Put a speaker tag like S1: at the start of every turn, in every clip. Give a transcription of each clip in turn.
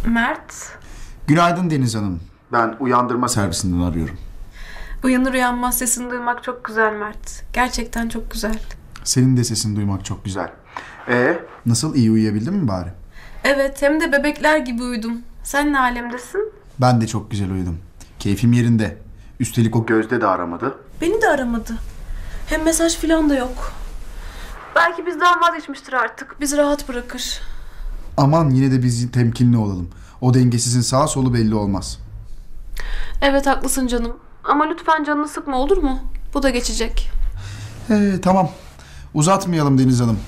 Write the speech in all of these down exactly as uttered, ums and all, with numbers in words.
S1: Mert.
S2: Günaydın Deniz Hanım. Ben uyandırma servisinden arıyorum.
S1: Uyanır uyanmaz sesini duymak çok güzel Mert. Gerçekten çok güzel.
S2: Senin de sesini duymak çok güzel. Ee, nasıl, iyi uyuyabildin mi bari?
S1: Evet, hem de bebekler gibi uyudum. Sen ne alemdesin?
S2: Ben de çok güzel uyudum. Keyfim yerinde. Üstelik o Gözde de aramadı.
S1: Beni de aramadı. Hem mesaj falan da yok. Belki bizden vazgeçmiştir artık. Bizi rahat bırakır.
S2: Aman yine de biz temkinli olalım. O dengesizin sağ solu belli olmaz.
S1: Evet haklısın canım. Ama lütfen canını sıkma, olur mu? Bu da geçecek.
S2: Ee, tamam. Uzatmayalım Deniz Hanım.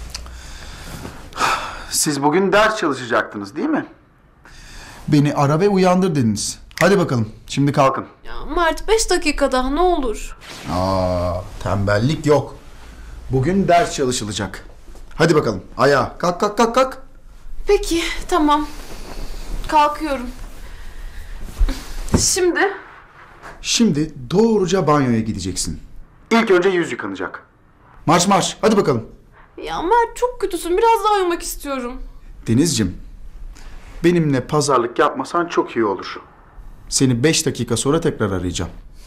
S2: Siz bugün ders çalışacaktınız değil mi? Beni ara ve uyandır dediniz. Hadi bakalım. Şimdi kalkın.
S1: Ya Mert, beş dakika daha ne olur.
S2: Aa, tembellik yok. Bugün ders çalışılacak. Hadi bakalım. Ayağa. Kalk kalk kalk kalk.
S1: Peki, tamam. Kalkıyorum. Şimdi?
S2: Şimdi doğruca banyoya gideceksin. İlk önce yüz yıkanacak. Marş marş. Hadi bakalım.
S1: Ya Mert, çok kötüsün. Biraz daha uyumak istiyorum.
S2: Denizciğim, benimle pazarlık yapmasan çok iyi olur. Seni beş dakika sonra tekrar arayacağım.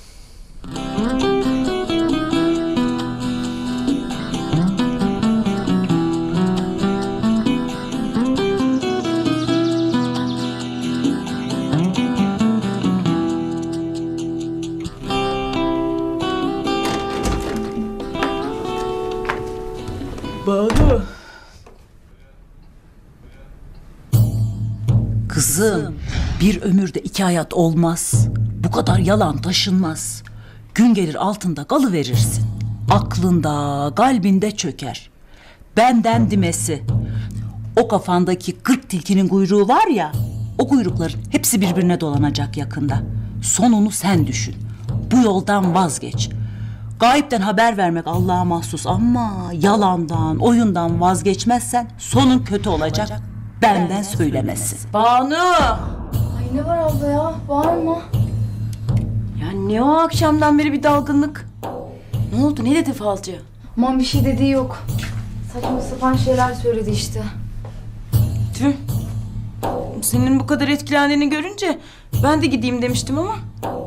S3: Banu. Kızım, bir ömürde iki hayat olmaz. Bu kadar yalan taşınmaz. Gün gelir altında kalıverirsin. Aklında, kalbinde çöker. Benden dimesi. O kafandaki kırk tilkinin kuyruğu var ya, o kuyrukların hepsi birbirine dolanacak yakında. Sonunu sen düşün. Bu yoldan vazgeç. Gayipten haber vermek Allah'a mahsus ama yalandan, oyundan vazgeçmezsen sonun kötü olacak. Benden, Benden söylemesi. Banu!
S4: Ay ne var abla ya? Bağırma.
S3: Ya ne o akşamdan beri bir dalgınlık? Ne oldu? Ne dedi falcı?
S4: Aman bir şey dediği yok. Saçma sapan şeyler söyledi işte.
S3: Tüh. Senin bu kadar etkilendiğini görünce ben de gideyim demiştim ama.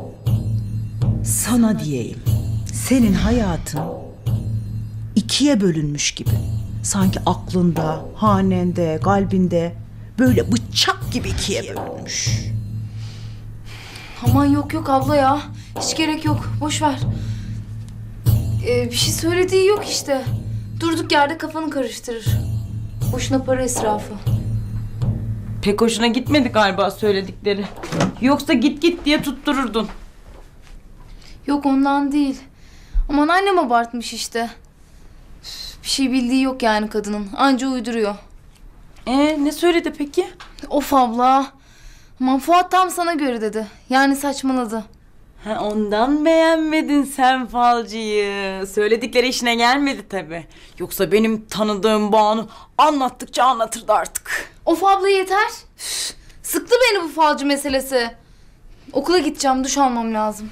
S5: Sana diyeyim. Senin hayatın ikiye bölünmüş gibi. Sanki aklında, hanende, kalbinde böyle bıçak gibi ikiye bölünmüş.
S4: Aman yok yok abla ya. Hiç gerek yok. Boş ver. Ee, bir şey söylediği yok işte. Durduk yerde kafanı karıştırır. Boşuna para israfı.
S3: Pek hoşuna gitmedi galiba söyledikleri. Yoksa git git diye tuttururdun.
S4: Yok ondan değil. Aman annem abartmış işte. Üf, bir şey bildiği yok yani kadının. Anca uyduruyor.
S3: Ee, ne söyledi peki?
S4: Of abla. Aman Fuat tam sana göre dedi. Yani saçmaladı.
S3: Ha, ondan beğenmedin sen falcıyı. Söyledikleri işine gelmedi tabii. Yoksa benim tanıdığım Banu anlattıkça anlatırdı artık.
S4: Of abla yeter. Üf, sıktı beni bu falcı meselesi. Okula gideceğim, duş almam lazım.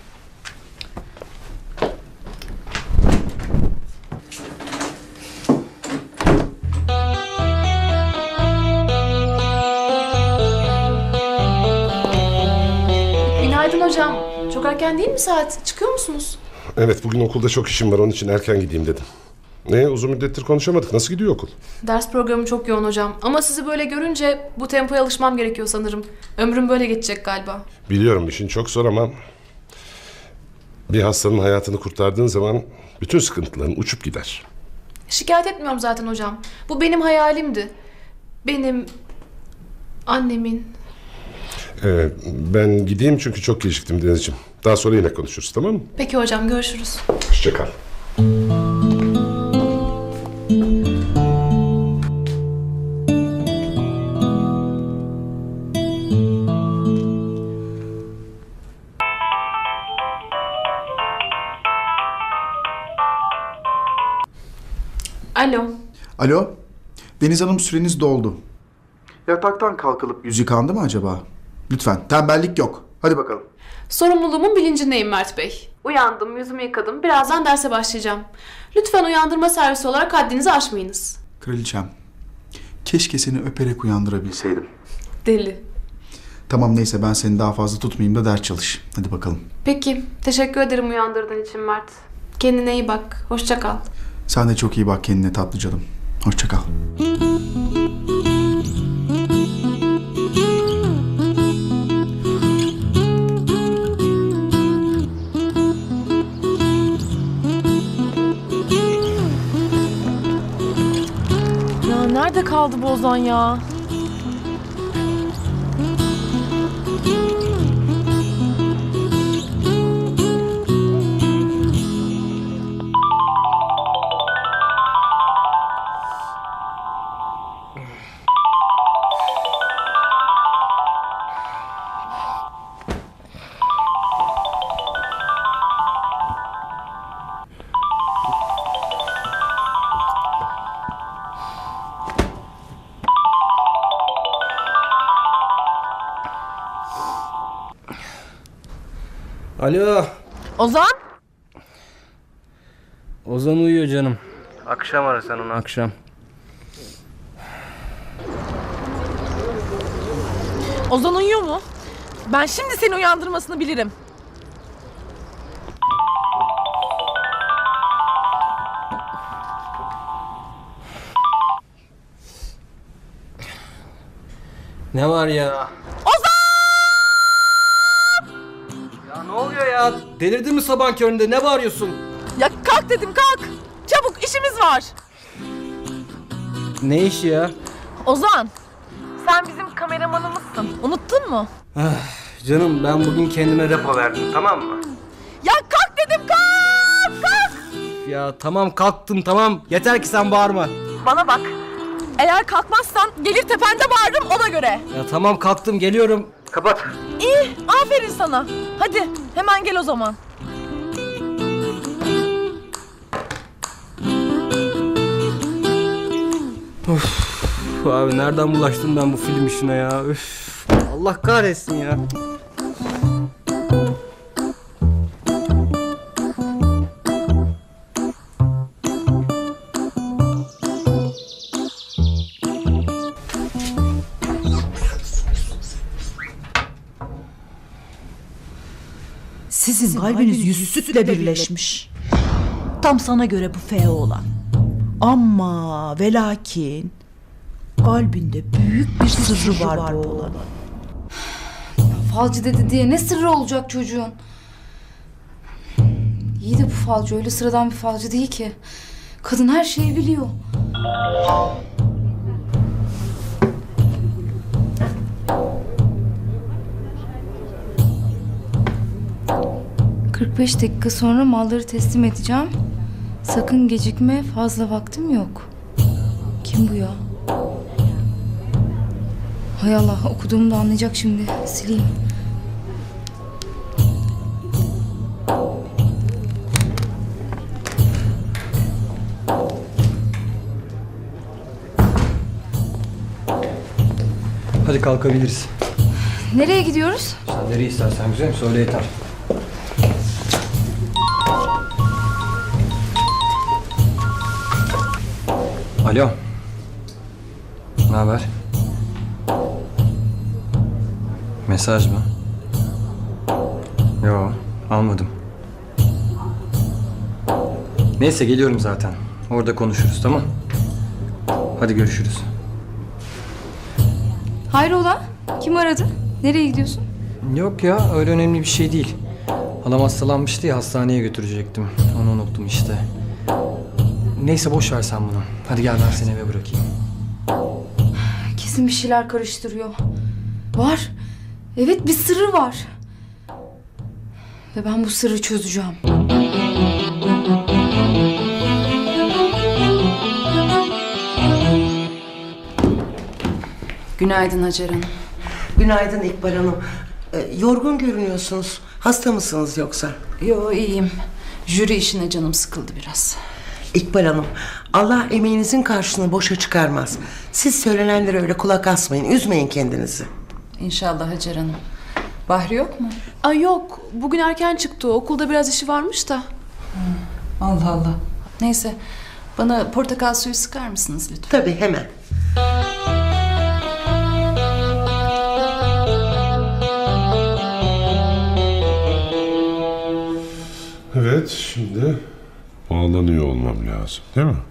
S1: Günaydın hocam. Çok erken değil mi saat? Çıkıyor musunuz?
S6: Evet, bugün okulda çok işim var, onun için erken gideyim dedim. Ne, uzun müddettir konuşamadık. Nasıl gidiyor okul?
S1: Ders programı çok yoğun hocam. Ama sizi böyle görünce bu tempoya alışmam gerekiyor sanırım. Ömrüm böyle geçecek galiba.
S6: Biliyorum işin çok zor ama bir hastanın hayatını kurtardığın zaman bütün sıkıntıların uçup gider.
S1: Şikayet etmiyorum zaten hocam. Bu benim hayalimdi. Benim, annemin.
S6: Ee, ben gideyim çünkü çok geciktim Denizciğim. Daha sonra yine konuşuruz, tamam mı?
S1: Peki hocam, görüşürüz.
S6: Hoşça kal.
S1: Alo.
S2: Alo. Deniz Hanım, süreniz doldu. Yataktan kalkılıp yüz yıkandı mı acaba? Lütfen, tembellik yok. Hadi bakalım.
S1: Sorumluluğumun bilincindeyim Mert Bey. Uyandım, yüzümü yıkadım. Birazdan derse başlayacağım. Lütfen uyandırma servisi olarak haddinizi aşmayınız.
S2: Kraliçem, keşke seni öperek uyandırabilseydim.
S1: Deli.
S2: Tamam neyse ben seni daha fazla tutmayayım da ders çalış. Hadi bakalım.
S1: Peki. Teşekkür ederim uyandırdığın için Mert. Kendine iyi bak. Hoşça kal.
S2: Sen de çok iyi bak kendine tatlı canım. Hoşça kal.
S7: Ya nerede kaldı bu Ozan ya?
S8: Alo.
S7: Ozan?
S8: Ozan uyuyor canım. Akşam ara sen onu akşam.
S7: Ozan uyuyor mu? Ben şimdi seni uyandırmasını bilirim.
S8: Ne var ya?
S7: Ozan!
S8: Ya ne oluyor ya? Delirdin mi sabahın köründe? Ne bağırıyorsun?
S7: Ya kalk dedim kalk. Çabuk işimiz var.
S8: Ne işi ya?
S7: Ozan, sen bizim kameramanımızsın. Unuttun mu?
S8: Canım ben bugün kendime repo verdim, tamam mı?
S7: Ya kalk dedim kalk kalk.
S8: Ya tamam kalktım tamam. Yeter ki sen bağırma.
S7: Bana bak. Eğer kalkmazsan gelir tepende bağırırım ona göre.
S8: Ya tamam kalktım geliyorum. Kapat.
S7: İyi, aferin sana. Hadi hemen gel o zaman.
S8: Uf, abi nereden bulaştım ben bu film işine ya? Üf, Allah kahretsin ya.
S3: Sizin kalbiniz yüz sütle birleşmiş. Tam sana göre bu F olan.
S5: Ama ve lakin kalbinde büyük bir sırrı var bu oğlanın.
S4: Falcı dedi diye ne sırrı olacak çocuğun? İyi de bu falcı öyle sıradan bir falcı değil ki. Kadın her şeyi biliyor. kırk beş dakika sonra malları teslim edeceğim. Sakın gecikme, fazla vaktim yok. Kim bu ya? Hay Allah, okuduğumu da anlayacak şimdi. Sileyim.
S8: Hadi kalkabiliriz.
S4: Nereye gidiyoruz?
S8: Sen nereye istersen güzelim söyle yeter. Alo. Ne haber? Mesaj mı? Yo, almadım. Neyse geliyorum zaten. Orada konuşuruz tamam? Hadi görüşürüz.
S4: Hayrola? Kim aradı? Nereye gidiyorsun?
S8: Yok ya öyle önemli bir şey değil. Halam hastalanmıştı ya hastaneye götürecektim. Onu unuttum işte. Neyse boş ver sen bunu. Hadi gel ben seni eve bırakayım.
S4: Kesin bir şeyler karıştırıyor. Var. Evet, bir sırrı var. Ve ben bu sırrı çözeceğim.
S9: Günaydın Hacer Hanım.
S10: Günaydın İkbal Hanım. Ee, yorgun görünüyorsunuz. Hasta mısınız yoksa?
S9: Yo iyiyim. Jüri işine canım sıkıldı biraz.
S10: İkbal Hanım, Allah emeğinizin karşılığını boşa çıkarmaz. Siz söylenenlere öyle kulak asmayın, üzmeyin kendinizi.
S9: İnşallah Hacer Hanım. Bahri yok mu?
S1: Ay yok. Bugün erken çıktı. Okulda biraz işi varmış da.
S9: Allah Allah. Neyse. Bana portakal suyu sıkar mısınız lütfen?
S10: Tabii hemen.
S6: Evet, şimdi bağlanıyor olmam lazım, değil mi?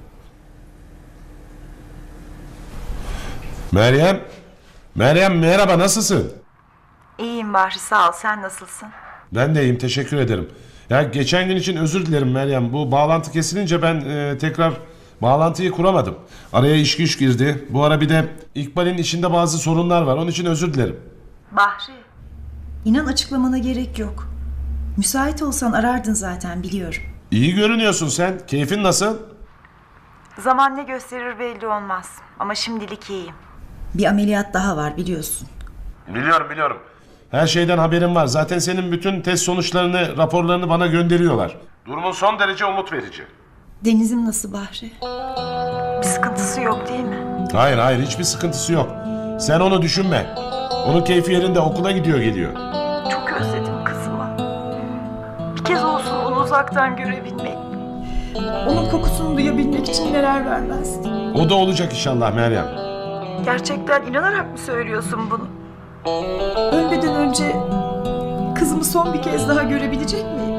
S6: Meryem, Meryem merhaba, nasılsın?
S11: İyiyim Bahri, sağ ol. Sen nasılsın?
S6: Ben de iyiyim, teşekkür ederim. Ya geçen gün için özür dilerim Meryem. Bu bağlantı kesilince ben e, tekrar bağlantıyı kuramadım. Araya iş güç girdi. Bu ara bir de İkbal'in işinde bazı sorunlar var. Onun için özür dilerim.
S11: Bahri.
S12: İnan açıklamana gerek yok. Müsait olsan arardın zaten biliyorum.
S6: İyi görünüyorsun sen. Keyfin nasıl?
S11: Zaman ne gösterir belli olmaz. Ama şimdilik iyiyim.
S12: Bir ameliyat daha var biliyorsun.
S6: Biliyorum biliyorum. Her şeyden haberim var. Zaten senin bütün test sonuçlarını, raporlarını bana gönderiyorlar. Durumun son derece umut verici.
S12: Deniz'im nasıl Bahri?
S11: Bir sıkıntısı yok değil mi?
S6: Hayır hayır, hiçbir sıkıntısı yok. Sen onu düşünme. Onun keyfi yerinde, okula gidiyor geliyor.
S11: Çok özledim kızımı. Bir kez olsun onu uzaktan görebilmek.
S12: Onun kokusunu duyabilmek için neler vermezdim.
S6: O da olacak inşallah Meryem.
S11: Gerçekten inanarak mı söylüyorsun bunu?
S12: Ölmeden önce kızımı son bir kez daha görebilecek miyim?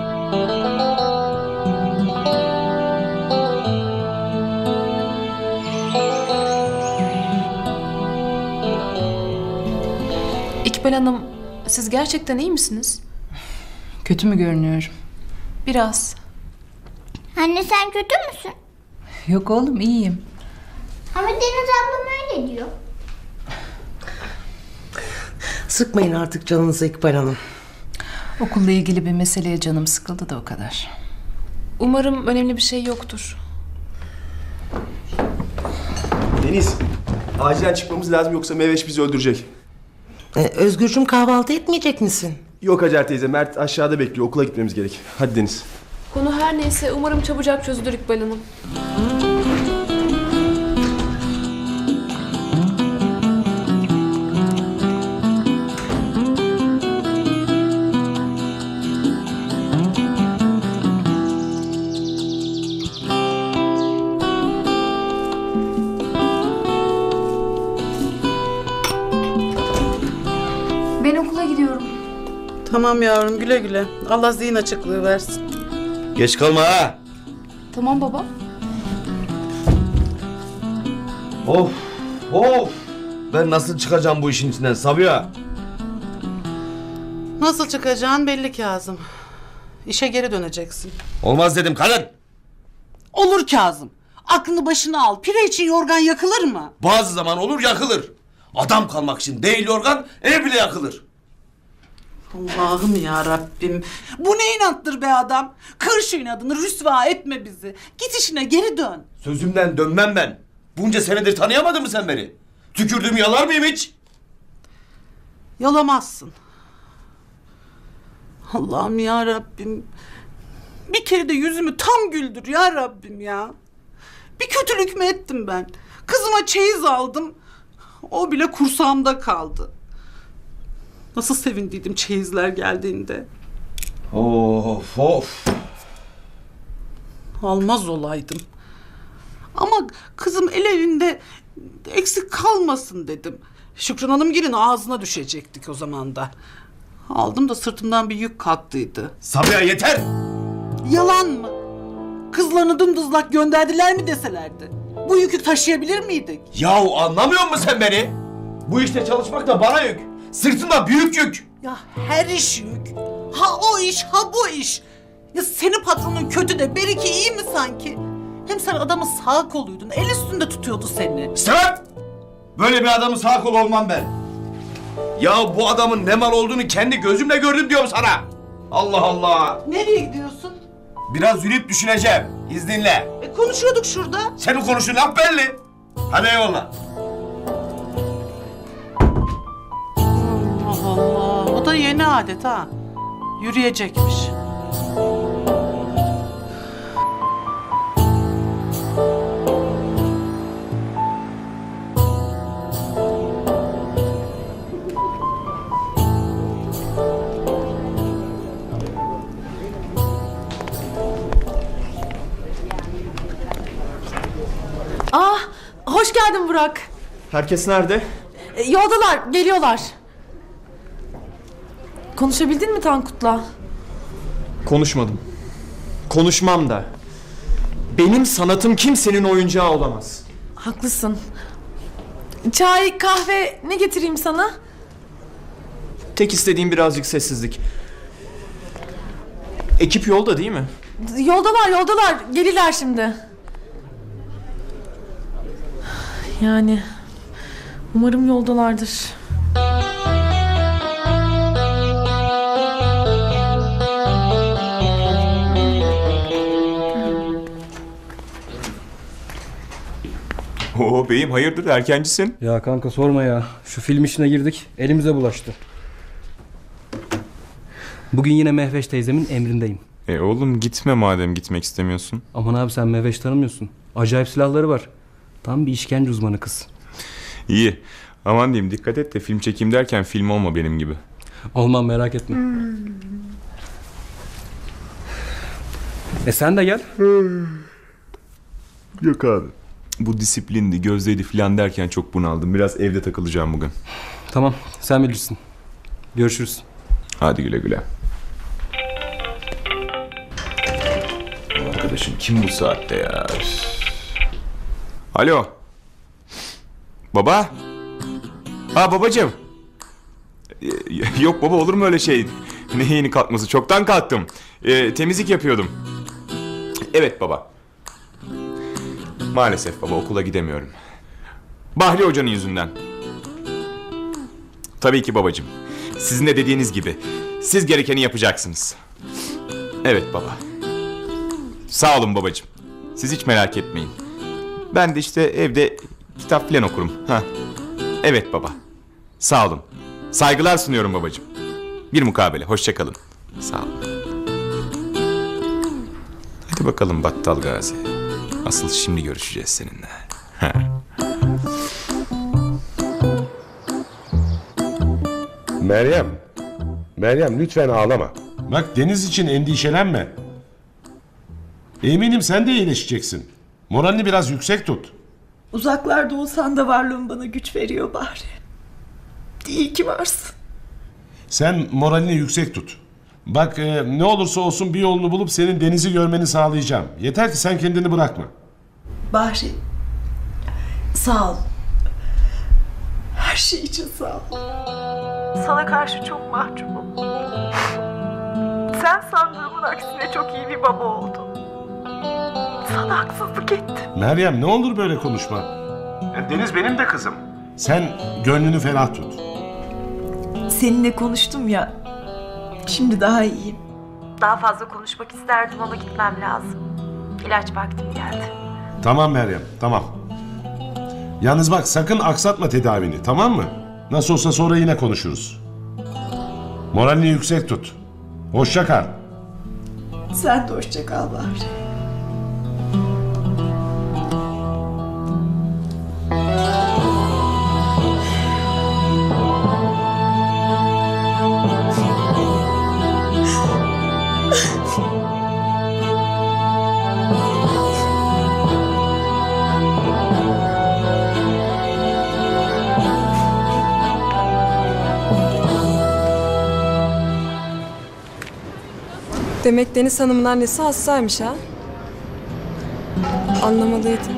S1: İkbal Hanım, siz gerçekten iyi misiniz?
S9: Kötü mü görünüyorum?
S1: Biraz.
S13: Anne sen kötü müsün?
S9: Yok oğlum, iyiyim.
S13: Ama Deniz ablam öyle diyor.
S10: Sıkmayın artık canınızı İkbal Hanım.
S9: Okulla ilgili bir meseleye canım sıkıldı da o kadar.
S1: Umarım önemli bir şey yoktur.
S14: Deniz, acilen çıkmamız lazım yoksa Meveş bizi öldürecek.
S10: Ee, Özgürcüm kahvaltı etmeyecek misin?
S14: Yok Hacer teyze, Mert aşağıda bekliyor. Okula gitmemiz gerek. Hadi Deniz.
S1: Konu her neyse umarım çabucak çözülür İkbal Hanım.
S4: Ben okula gidiyorum.
S5: Tamam yavrum güle güle. Allah zihin açıklığı versin.
S14: Geç kalma ha.
S4: Tamam baba.
S14: Of, of. Ben nasıl çıkacağım bu işin içinden Sabiha?
S5: Nasıl çıkacağın belli Kazım. İşe geri döneceksin.
S14: Olmaz dedim kadın.
S5: Olur Kazım. Aklını başına al. Pire için yorgan yakılır mı?
S14: Bazı zaman olur yakılır. Adam kalmak için değil yorgan, ev bile yakılır.
S5: Allah'ım ya Rabbim. Bu ne inattır be adam? Kır şu inadını, rüsva etme bizi. Git işine geri dön.
S14: Sözümden dönmem ben. Bunca senedir tanıyamadın mı sen beni? Tükürdüğümü yalar mıyım hiç?
S5: Yalamazsın. Allah'ım ya Rabbim. Bir kere de yüzümü tam güldür ya Rabbim ya. Bir kötülük mü ettim ben? Kızıma çeyiz aldım. O bile kursağımda kaldı. Nasıl sevindiydim çeyizler geldiğinde.
S14: Of of.
S5: Almaz olaydım. Ama kızım el elinde eksik kalmasın dedim. Şükran Hanımgil'in ağzına düşecektik o zaman da. Aldım da sırtımdan bir yük kalktıydı.
S14: Sabiha yeter.
S5: Yalan mı? Kızlarını dımdızlak gönderdiler mi deselerdi? Bu yükü taşıyabilir miydik?
S14: Yahu anlamıyor musun sen beni? Bu işte çalışmak da bana yük. Sırtımda büyük yük.
S5: Ya her iş yük. Ha o iş, ha bu iş. Ya senin patronun kötü de Beriki iyi mi sanki? Hem sen adamın sağ koluydun. El üstünde tutuyordu seni.
S14: Sen! Böyle bir adamın sağ kolu olmam ben. Ya bu adamın ne mal olduğunu kendi gözümle gördüm diyorum sana. Allah Allah.
S5: Nereye gidiyorsun?
S14: Biraz yürüyüp düşüneceğim. İzninle.
S5: E, konuşuyorduk şurada.
S14: Senin konuştuğun laf belli. Hadi eyvallah.
S5: Allah Allah. O da yeni adet ha. Yürüyecekmiş.
S1: Ah, hoş geldin Burak.
S14: Herkes nerede?
S1: E, yoldalar, geliyorlar. Konuşabildin mi Tankut'la?
S14: Konuşmadım.
S8: Konuşmam da. Benim sanatım kimsenin oyuncağı olamaz.
S7: Haklısın. Çay, kahve ne getireyim sana?
S8: Tek istediğim birazcık sessizlik. Ekip yolda değil mi?
S7: Yoldalar, yoldalar. Gelirler şimdi. Yani umarım yoldalardır.
S15: Oo beyim hayırdır erkencisin?
S16: Ya kanka sorma ya. Şu film işine girdik. Elimize bulaştı. Bugün yine Mehveş teyzemin emrindeyim.
S15: E oğlum gitme madem gitmek istemiyorsun.
S16: Aman abi sen Mehveş tanımıyorsun. Acayip silahları var. Tam bir işkence uzmanı kız.
S15: İyi. Aman diyeyim dikkat et de film çekeyim derken film olma benim gibi.
S16: Olmam merak etme. E sen de gel.
S15: Yok abi. Bu disiplindi, gözdeydi filan derken çok bunaldım. Biraz evde takılacağım bugün.
S16: Tamam sen bilirsin. Görüşürüz.
S15: Hadi güle güle. Arkadaşım kim bu saatte ya? Alo. Baba? Ha babacığım. Yok baba olur mu öyle şey? Ne yeni kalkması? Çoktan kalktım. Ee, temizlik yapıyordum. Evet baba. Maalesef baba okula gidemiyorum. Bahri Hoca'nın yüzünden. Tabii ki babacığım. Sizin de dediğiniz gibi. Siz gerekeni yapacaksınız. Evet baba. Sağ olun babacığım. Siz hiç merak etmeyin. Ben de işte evde kitap falan okurum. Ha. Evet baba. Sağ olun. Saygılar sunuyorum babacığım. Bir mukabele. Hoşça kalın. Sağ olun. Hadi bakalım Battal Gazi. Asıl şimdi görüşeceğiz seninle.
S6: Meryem. Meryem lütfen ağlama. Bak Deniz için endişelenme. Eminim sen de iyileşeceksin. Moralini biraz yüksek tut.
S12: Uzaklarda olsan da varlığın bana güç veriyor Bahri. İyi ki varsın.
S6: Sen moralini yüksek tut. Bak e, ne olursa olsun bir yolunu bulup senin Deniz'i görmeni sağlayacağım. Yeter ki sen kendini bırakma.
S12: Bahri, sağ ol. Her şey için sağ ol.
S11: Sana karşı çok mahcubum. Sen sandığımın aksine çok iyi bir baba oldun. Sana haksızlık ettim.
S6: Meryem ne olur böyle konuşma. Ya Deniz benim de kızım. Sen gönlünü ferah tut.
S12: Seninle konuştum ya. Şimdi daha iyiyim.
S11: Daha fazla konuşmak isterdim ama gitmem lazım. İlaç vaktim geldi.
S6: Tamam Meryem, tamam. Yalnız bak sakın aksatma tedavini, tamam mı? Nasıl olsa sonra yine konuşuruz. Moralini yüksek tut. Hoşça kal.
S12: Sen de hoşça kal Bahri.
S17: Demek Deniz Hanım'ın annesi hastaymış ha? Anlamalıydım.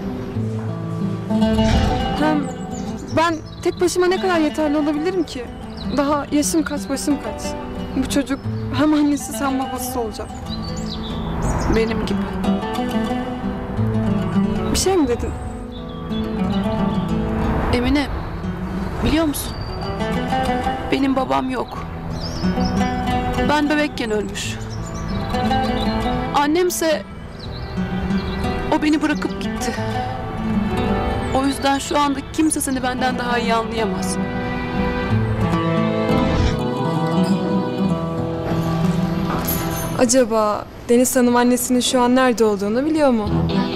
S17: Hem ben tek başıma ne kadar yeterli olabilirim ki? Daha yaşım kaç, başım kaç. Bu çocuk hem annesi hem babası olacak.
S1: Benim gibi.
S17: Bir şey mi dedin?
S1: Emine, biliyor musun? Benim babam yok. Ben bebekken ölmüş. Annemse o beni bırakıp gitti. O yüzden şu anda kimse seni benden daha iyi anlayamaz.
S17: Acaba Deniz Hanım annesinin şu an nerede olduğunu biliyor mu?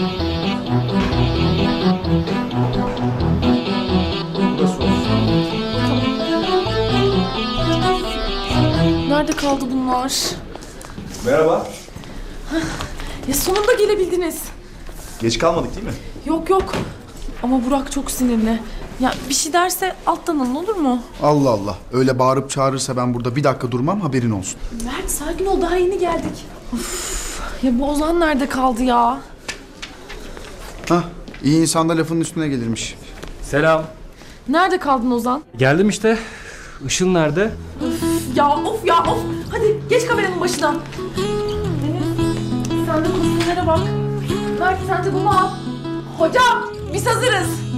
S7: Nerede kaldı bunlar?
S2: Merhaba.
S7: Ya sonunda gelebildiniz.
S2: Geç kalmadık değil mi?
S7: Yok yok. Ama Burak çok sinirli. Ya bir şey derse alttan alın olur mu?
S2: Allah Allah. Öyle bağırıp çağırırsa ben burada bir dakika durmam, haberin olsun.
S7: Mert sakin ol, daha yeni geldik. Of, Ya bu Ozan nerede kaldı ya?
S2: Hah, iyi insan da lafının üstüne gelirmiş.
S16: Selam.
S7: Nerede kaldın Ozan?
S16: Geldim işte. Işın nerede?
S7: Üf, ya of ya of. Hadi geç kameranın başına. Deniz, sen de kostümlere bak. Mert sen de bunu al. Hocam biz hazırız.